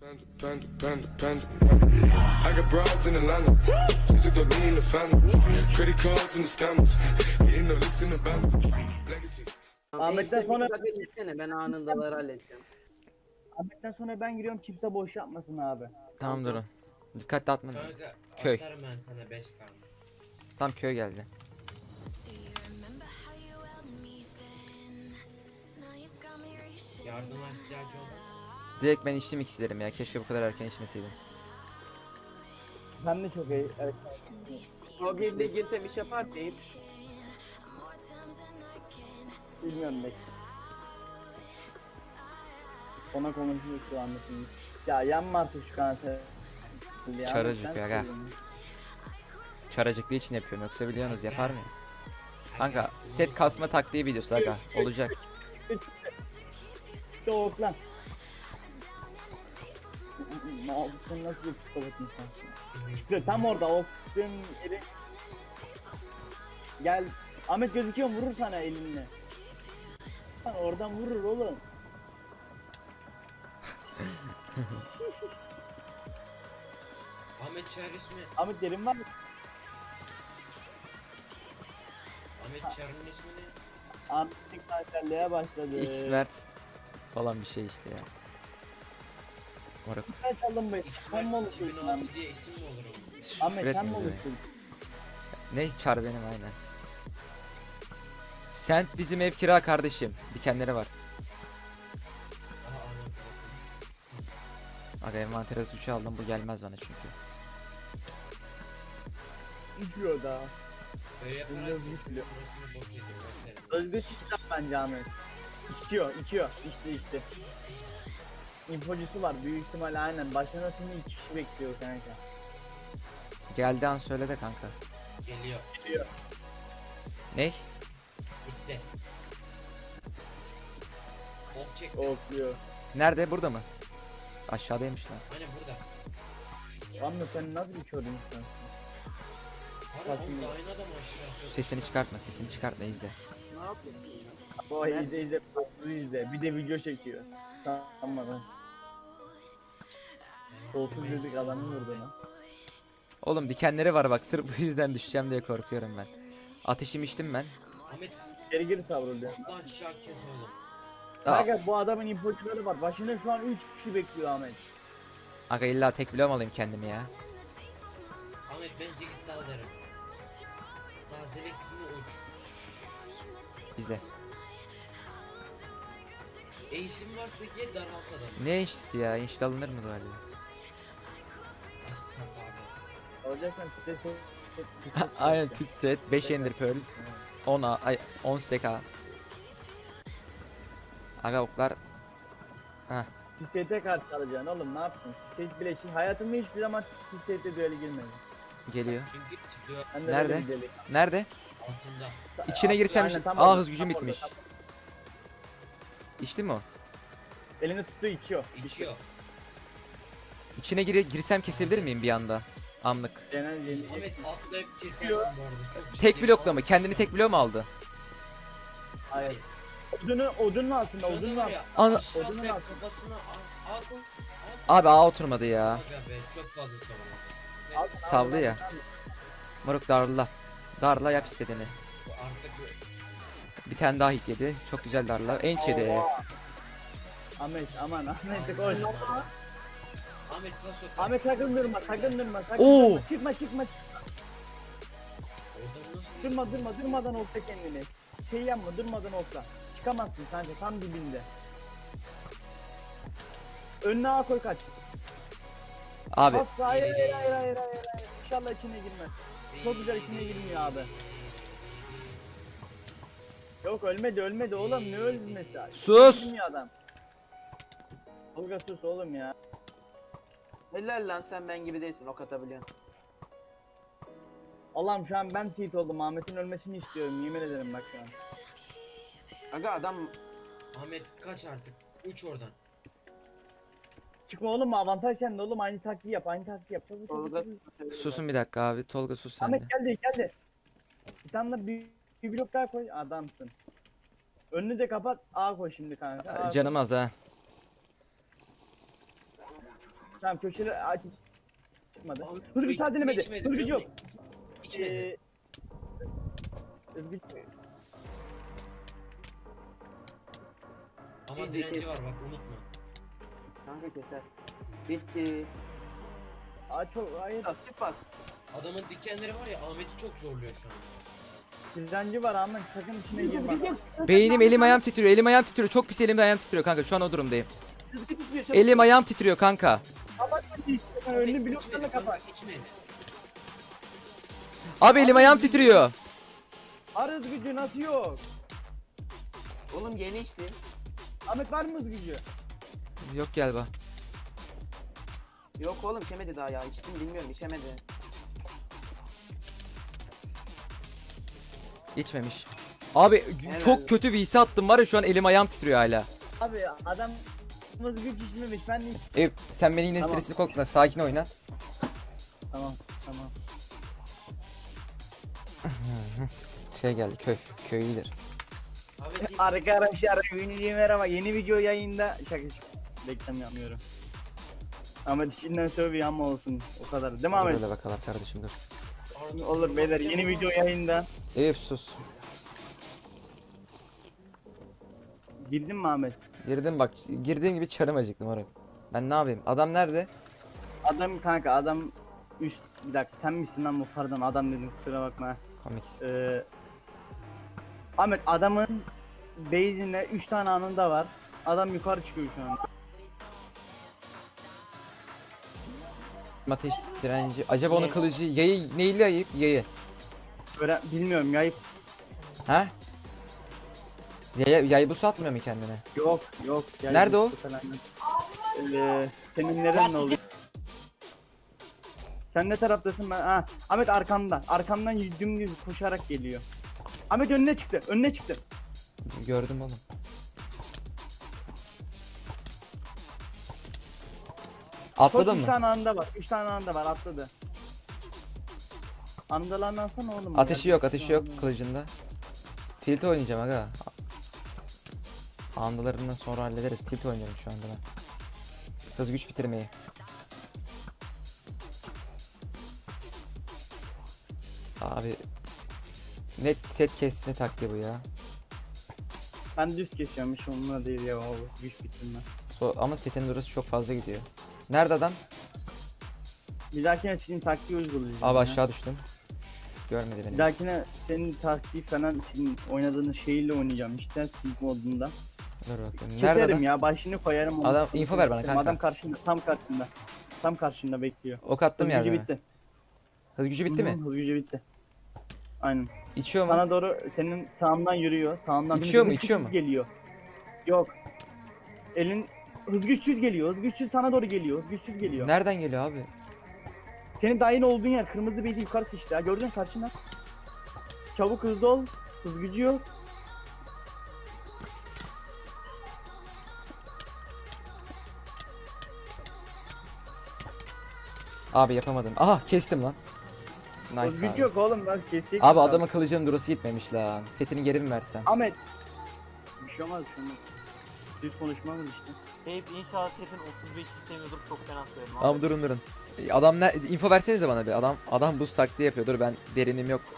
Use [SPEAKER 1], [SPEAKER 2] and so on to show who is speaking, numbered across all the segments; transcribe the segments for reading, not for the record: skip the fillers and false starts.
[SPEAKER 1] I got broads in Atlanta. Just took the lean in the family. Credit cards and the scammers. Getting the licks in the band. Legacies.
[SPEAKER 2] Ahmet'ten sonra ben anındaları halledeceğim.
[SPEAKER 3] Ahmet'ten sonra ben giriyorum, kimse boş yapmasın abi.
[SPEAKER 4] Tamam durun. Dikkatli atma.
[SPEAKER 5] Kanka
[SPEAKER 4] Köy.
[SPEAKER 5] atarım ben sana 5 kan.
[SPEAKER 4] Tam köy geldi.
[SPEAKER 5] Yardıma ihtiyacı olur.
[SPEAKER 4] Direkt ben içtim ikisilerim ya. Keşke bu kadar erken içmeseydim.
[SPEAKER 3] Ben de çok iyi. Evet.
[SPEAKER 2] O birliğe girsem iş yapar deyip.
[SPEAKER 3] Bilmiyorum belki. Ona konuşuyoruz şu anda şimdi. Ya yanma artık şu kanser. Ya,
[SPEAKER 4] Çaracık
[SPEAKER 3] sen
[SPEAKER 4] ya, gel.
[SPEAKER 3] söylüyorsun.
[SPEAKER 4] Çaracıklı için yapıyorum, yoksa biliyorsunuz yapar mıyım? Kanka set kasma taktiği videosu aga olacak.
[SPEAKER 3] Soğuk lan. Sen nasıl bir psikopat insansın? İşte tam orada o kıstığın yeri. Gel. Ahmet gözüküyor, vurur sana elinle. Lan oradan vurur oğlum.
[SPEAKER 5] Ahmet Çağrı ismi.
[SPEAKER 3] Ahmet yerin var mı?
[SPEAKER 5] Ahmet Çağrı'nın ismi ne?
[SPEAKER 3] Ahmet'in kanserliğe başladı.
[SPEAKER 4] X Mert falan bir şey işte ya. Moruk.
[SPEAKER 3] Sen çaldın bu. Sen mi olursun lan?
[SPEAKER 5] 2016 diye isim mi olur onun?
[SPEAKER 3] Ahmet sen mi
[SPEAKER 4] Üretmiyor
[SPEAKER 3] olursun?
[SPEAKER 4] Ne çar benim aynen. Sen bizim ev kira kardeşim. Dikenleri var.
[SPEAKER 5] Aha Ahmet.
[SPEAKER 4] Aga envantere suçu aldım, bu gelmez bana çünkü.
[SPEAKER 3] İçiyor daha.
[SPEAKER 5] Böyle yaparak
[SPEAKER 3] Biraz
[SPEAKER 5] sesin
[SPEAKER 3] güçlü.
[SPEAKER 5] burasını bok yedim. Beklerim.
[SPEAKER 3] Özgür çıkacak bence Ahmet. İçiyor. İçti. İnfocusu var büyük ihtimal, aynen. Başına şimdi 2 kişi bekliyor kanka.
[SPEAKER 4] Geldi an söyle de kanka.
[SPEAKER 5] Geliyor.
[SPEAKER 4] Ne?
[SPEAKER 5] Bitti. Ok çekti.
[SPEAKER 3] Okluyor.
[SPEAKER 4] Nerede? Burada mı? Aşağıdaymış lan.
[SPEAKER 5] Hani burada.
[SPEAKER 3] Ahmet sen nasıl bir kör insansın?
[SPEAKER 5] Hadi oğlum da aynı adam aşağı.
[SPEAKER 4] Sesini çıkartma izle.
[SPEAKER 2] Ne yapayım?
[SPEAKER 3] O izle. Koltuğu izle. Bir de video çekiyor. Tamam lan. Koltuğu dedik adamı vurdu lan.
[SPEAKER 4] Oğlum dikenleri var bak, sırf bu yüzden düşeceğim diye korkuyorum ben. Ateşim içtim ben.
[SPEAKER 5] Ahmet
[SPEAKER 3] Geri savruluyor.
[SPEAKER 5] buradan aşağı kes oğlum.
[SPEAKER 3] Kanka bu adamın infocuları var. Başında şu an 3 kişi bekliyor Ahmet.
[SPEAKER 4] Aga illa tek bloğum alayım kendimi ya.
[SPEAKER 5] Ahmet bence git dal derim. Tazelik ismi uç.
[SPEAKER 4] İzle.
[SPEAKER 5] İşin varsa gel daralt adamı.
[SPEAKER 4] Ne işisi ya? İnşallah alınır mı böyle?
[SPEAKER 3] Olacaksan stres.
[SPEAKER 4] Aynen tit set, 5 ender pearl, 10 A, ay 10 stack A. Aga oklar. Heh.
[SPEAKER 3] TST karşı alacaksın oğlum, ne yaptın? TST bile şey, hayatımda hiçbir zaman TST düeli girmedim.
[SPEAKER 4] Geliyor.
[SPEAKER 5] Çünkü çıkıyor
[SPEAKER 3] Ben de
[SPEAKER 4] Nerede?
[SPEAKER 3] böyle bir deli.
[SPEAKER 4] Nerede?
[SPEAKER 5] altında.
[SPEAKER 4] İçine girsem
[SPEAKER 3] Aynen, tam
[SPEAKER 4] Aa
[SPEAKER 3] orada,
[SPEAKER 4] hız gücüm
[SPEAKER 3] tam orada,
[SPEAKER 4] bitmiş.
[SPEAKER 3] tam-
[SPEAKER 4] İçti mi o?
[SPEAKER 3] Elini tuttu içiyor.
[SPEAKER 5] İçiyor.
[SPEAKER 4] İçine girsem kesebilir miyim bir anda? Anlık.
[SPEAKER 3] Genel yeni.
[SPEAKER 5] Ahmet atlayıp kesersin bu arada. Çok
[SPEAKER 4] Tek
[SPEAKER 5] ciddi.
[SPEAKER 4] blokla mı? Kendini tek bloğa mı aldı?
[SPEAKER 3] Hayır. Odunun altında,
[SPEAKER 5] Şurada
[SPEAKER 3] odunun
[SPEAKER 5] var
[SPEAKER 3] altında.
[SPEAKER 5] ya,
[SPEAKER 4] Ana-
[SPEAKER 5] aşağı
[SPEAKER 3] Odunun
[SPEAKER 5] atlayıp
[SPEAKER 3] altında.
[SPEAKER 5] kafasına al.
[SPEAKER 4] Abi A oturmadı ya.
[SPEAKER 5] Aga be çok fazla savunma.
[SPEAKER 3] Altına,
[SPEAKER 4] Saldı
[SPEAKER 3] altına,
[SPEAKER 4] ya.
[SPEAKER 3] altına.
[SPEAKER 4] Moruk darla. Darla yap istediğini.
[SPEAKER 5] Bu artık
[SPEAKER 4] Bir tane daha hit yedi. Çok güzel darla. Enç yedi.
[SPEAKER 3] Oha. Ahmet aman Ahmet koş.
[SPEAKER 5] Ahmet nasıl yok?
[SPEAKER 3] Ahmet sakın durma, sakın durma.
[SPEAKER 4] Oo.
[SPEAKER 3] Çıkma.
[SPEAKER 5] Oradan nasıl
[SPEAKER 3] Durmadan olsa kendini. Şey yapma, durmadan olsa. Çıkamazsın kanka, tam dibinde. Önüne A koy, kaç.
[SPEAKER 4] Abi
[SPEAKER 3] Bas, hayır. İnşallah içine girmez. Çok güzel içine girmiyor abi. Yok ölmedi oğlum, ne ölmesi?
[SPEAKER 4] sus.
[SPEAKER 3] Girmiyor adam. Tolga sus oğlum ya.
[SPEAKER 2] Helal lan, sen ben gibi değilsin, ok atabiliyorsun.
[SPEAKER 3] Allah'ım şu an ben tilt oldum, Ahmet'in ölmesini istiyorum, yemin ederim bak şu an.
[SPEAKER 2] Aga adam
[SPEAKER 5] Ahmet kaç artık. Uç oradan.
[SPEAKER 3] Çıkma oğlum, avantaj sende oğlum, aynı taktiği yap. Çabuk.
[SPEAKER 2] Tolga
[SPEAKER 4] Susun bir dakika abi. Tolga sus sen de.
[SPEAKER 3] Ahmet geldi. Bir tane de bir blok daha koy, adamsın. Önünü de kapat, A koy şimdi kanka. A koy.
[SPEAKER 4] Canım az ha.
[SPEAKER 3] Tamam köşeli aç. Çıkmadı.
[SPEAKER 5] Ahmet,
[SPEAKER 3] Hızgıç daha denemedi.
[SPEAKER 5] içmedi,
[SPEAKER 3] Hızgıç
[SPEAKER 5] biliyor
[SPEAKER 3] yok.
[SPEAKER 5] musun? İçmedi.
[SPEAKER 3] Hızgıç.
[SPEAKER 5] Ama direnci var bak unutma.
[SPEAKER 2] Kanka keser. Bitti.
[SPEAKER 3] Aç ol. Hayır.
[SPEAKER 2] Bas git bas.
[SPEAKER 5] Adamın dikenleri var ya Ahmet'i çok zorluyor şu an.
[SPEAKER 3] Direnci var Ahmet. Sakın içine girme.
[SPEAKER 4] Beynim, elim ayağım titriyor. Elim ayağım titriyor. Çok pis, elim ayağım titriyor kanka. Şu an o durumdayım.
[SPEAKER 2] Hızgıç tutuyor. çabuk.
[SPEAKER 4] Elim ayağım titriyor kanka.
[SPEAKER 3] Önünü bloklarla
[SPEAKER 5] İçmedi
[SPEAKER 3] kapat.
[SPEAKER 5] kanka içmedi.
[SPEAKER 4] Abi elim ayağım titriyor.
[SPEAKER 3] Ar hızgıcı nasıl yok?
[SPEAKER 2] Oğlum yeni içti.
[SPEAKER 3] Ahmet var mı hızgıcı?
[SPEAKER 4] Yok galiba.
[SPEAKER 2] Yok oğlum içemedi daha ya. İçtim bilmiyorum içemedi.
[SPEAKER 4] İçmemiş. Abi
[SPEAKER 2] Helal.
[SPEAKER 4] çok kötü VC attım var ya, şu an elim ayağım titriyor hala.
[SPEAKER 3] Abi adam hızgıç içmemiş. Ben de
[SPEAKER 4] Sen beni yine
[SPEAKER 3] Tamam.
[SPEAKER 4] stresli korkutma. Sakin oyna.
[SPEAKER 3] Tamam tamam.
[SPEAKER 4] Şey geldi, köy iyidir.
[SPEAKER 5] Ahmet ilk
[SPEAKER 3] Arkadaşlar ünlüye merhaba. Yeni video yayında. Şaka reklam yapmıyorum. Ahmet içinden sövüyor ama olsun. O kadar. Değil mi Ahmet?
[SPEAKER 4] Böyle bakalım kardeşim, dur.
[SPEAKER 5] Arda-
[SPEAKER 3] Olur beyler yeni video yayında.
[SPEAKER 4] Eyüp sus.
[SPEAKER 3] Girdin mi Ahmet?
[SPEAKER 4] Girdim bak, girdiğim gibi çarım acıktım oraya. Ben ne yapayım? Adam nerede?
[SPEAKER 3] Adam kanka adam üst bir dakika sen misin lan bu pardon adam dedim kusura bakma.
[SPEAKER 4] Komik.
[SPEAKER 3] Ahmet adamın base'inde 3 tane anında var. Adam yukarı çıkıyor şu an.
[SPEAKER 4] Ateş direnci. Acaba onun kılıcı yayı neyle ayıp? Yayı.
[SPEAKER 3] Bilmiyorum yayıp
[SPEAKER 4] Ha? Yay bu satmıyor mu kendine?
[SPEAKER 3] yok.
[SPEAKER 4] Nerede o?
[SPEAKER 3] Falan. Senin neren ne oldu? Sen ne taraftasın ben? Ha, Ahmet arkamda. Arkamdan dümdüz koşarak geliyor. Ahmet önüne çıktı. Önüne çıktı.
[SPEAKER 4] Gördüm oğlum. Atladın
[SPEAKER 3] Koş, 3
[SPEAKER 4] mı?
[SPEAKER 3] tane anda var. 3 tane anda var atladı. Andalarını alsana oğlum.
[SPEAKER 4] Ateşi
[SPEAKER 3] Ya.
[SPEAKER 4] yok, ateşi yok kılıcında. Tilt oynayacağım aga. Andalarından sonra hallederiz. Tilt oynuyorum şu anda ben. Hız güç bitirmeyi. Abi net set kesme taktiği bu ya.
[SPEAKER 3] Ben düz kesiyorum hiç onunla değil ya o güç bitirme.
[SPEAKER 4] Ama setin durası çok fazla gidiyor. Nerede adam?
[SPEAKER 3] Bir dahakine senin taktiği uygulayacağım.
[SPEAKER 4] Abi
[SPEAKER 3] ya.
[SPEAKER 4] aşağı düştüm. Görmedi
[SPEAKER 3] Bir
[SPEAKER 4] beni.
[SPEAKER 3] dahakine senin taktiği falan senin oynadığın şeyle oynayacağım işte Silk modunda.
[SPEAKER 4] Dur bakayım. Nerede
[SPEAKER 3] Keserim
[SPEAKER 4] adam?
[SPEAKER 3] ya başını koyarım. onu.
[SPEAKER 4] Adam, info ver bana kanka.
[SPEAKER 3] Adam karşında tam karşında. Tam karşında bekliyor.
[SPEAKER 4] Ok attım
[SPEAKER 3] Hız
[SPEAKER 4] yerde
[SPEAKER 3] gücü
[SPEAKER 4] mi?
[SPEAKER 3] bitti.
[SPEAKER 4] Hız gücü bitti
[SPEAKER 3] Hı hı,
[SPEAKER 4] mi?
[SPEAKER 3] Hız gücü bitti. Aynen.
[SPEAKER 4] İçiyor mu?
[SPEAKER 3] Sana doğru senin sağından yürüyor. Sağından
[SPEAKER 4] İçiyor mu,
[SPEAKER 3] hız güç
[SPEAKER 4] içiyor mu?
[SPEAKER 3] Geliyor. Yok. Elin hız güçsüz geliyor. Hız güçsüz sana doğru geliyor. Hız güçsüz geliyor.
[SPEAKER 4] Nereden geliyor abi?
[SPEAKER 3] Senin dahil olduğun yer kırmızı beyzi yukarı sıçtı ya. Gördün karşında. Çabuk hızlı ol. Hız gücü yok.
[SPEAKER 4] Abi yapamadım. Aha kestim lan.
[SPEAKER 3] Hız
[SPEAKER 4] Nice
[SPEAKER 3] gücü
[SPEAKER 4] abi.
[SPEAKER 3] yok oğlum. Nasıl kesecek?
[SPEAKER 4] Abi adamın kılıcının durası gitmemiş lan. Setini geri mi versem?
[SPEAKER 3] Ahmet. Bir şey olmaz. Bir şey olmaz. Düz konuşma mı işte?
[SPEAKER 6] Hep inşallah setin 35 istemiyordur çok fena söylerim.
[SPEAKER 4] Abi durun. Adam ne? Info versenize bana bir. Adam buz taktiği yapıyor. Dur ben derinim yok.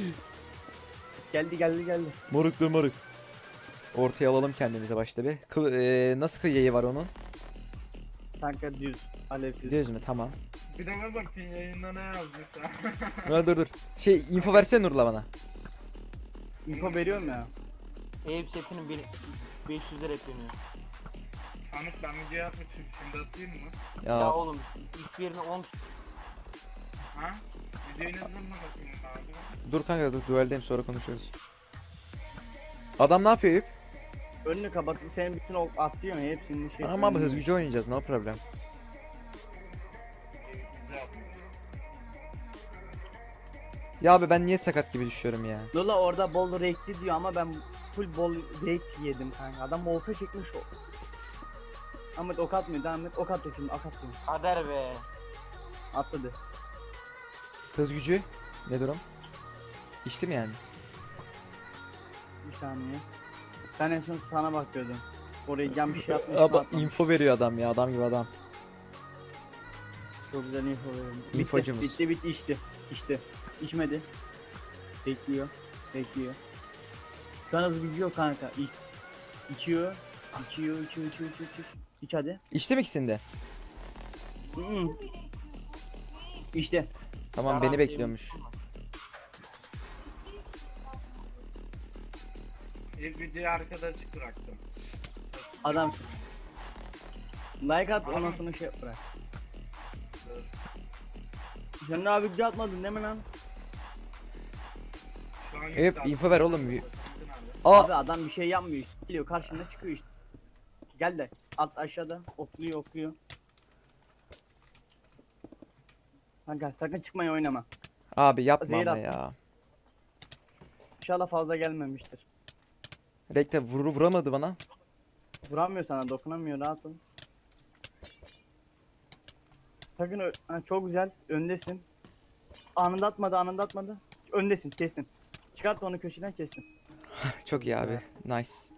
[SPEAKER 3] Geldi.
[SPEAKER 4] Moruk. Ortaya alalım kendimize başta bir. Nasıl kıyayı var onun?
[SPEAKER 3] Kanka düz. Alevsiz.
[SPEAKER 4] Düz mü? Tamam.
[SPEAKER 7] Bir de bakayım yayında ne yazmışlar.
[SPEAKER 4] Dur. Info versene Nurla bana.
[SPEAKER 3] Info veriyorum ya.
[SPEAKER 6] Eyüp setinin 500 lira ekleniyor.
[SPEAKER 7] Ahmet ben video yapmışım şimdi atayım mı?
[SPEAKER 6] Ya oğlum ilk yerine 10
[SPEAKER 7] Ha? Videoyu ne zaman bakayım abi?
[SPEAKER 4] Dur kanka, dur dueldeyim, sonra konuşuruz. Adam ne yapıyor Eyüp?
[SPEAKER 3] Önünü kapatıp senin bütün atlıyor ya hepsinin şey.
[SPEAKER 4] Ama abi hız gücü oynayacağız, no problem. Ya abi ben niye sakat gibi düşüyorum ya?
[SPEAKER 3] Lola orada bol renkli diyor ama ben full bol renk yedim kanka. Adam orta çekmiş o. Ahmet ok atmıyor devam et. Ok atıyor şimdi ok atıyor.
[SPEAKER 6] kader be.
[SPEAKER 3] Atladı.
[SPEAKER 4] Hız gücü ne durum? İçtim yani.
[SPEAKER 3] Bir saniye. Ben en son sana bakıyordum. Oraya cam bir şey atmış.
[SPEAKER 4] Ama info veriyor adam ya, adam gibi adam.
[SPEAKER 3] Çok güzel info veriyorum.
[SPEAKER 4] İnfocumuz.
[SPEAKER 3] Bitti içti. İçti. İçmedi. Bekliyor. Şu an hızlı gidiyor kanka. İçiyor. İçiyor. İç hadi.
[SPEAKER 4] İçti mi ikisini de?
[SPEAKER 3] İşte.
[SPEAKER 4] Tamam beni bekliyormuş.
[SPEAKER 7] Bir videoyu arkada açık bıraktım.
[SPEAKER 3] Adam. Like at ondan sonra şey bırak. Sen de abi video atmadın değil mi lan?
[SPEAKER 7] Şu an
[SPEAKER 4] Evet
[SPEAKER 7] yükseldi.
[SPEAKER 4] info ver oğlum.
[SPEAKER 7] Abi.
[SPEAKER 3] Abi adam bir şey yapmıyor işte. Geliyor karşında çıkıyor işte. Gel de at aşağıda okluyor. Kanka sakın çıkmayı oynama.
[SPEAKER 4] Abi yapma
[SPEAKER 3] Zehir
[SPEAKER 4] ama
[SPEAKER 3] attım.
[SPEAKER 4] ya.
[SPEAKER 3] İnşallah fazla gelmemiştir.
[SPEAKER 4] Rekte vuramadı bana.
[SPEAKER 3] Vuramıyor sana, dokunamıyor, rahat ol. Sakın ha, çok güzel, öndesin. Anında atmadı. Öndesin, kestin. Çıkart onu köşeden kestin.
[SPEAKER 4] Çok iyi abi. Nice.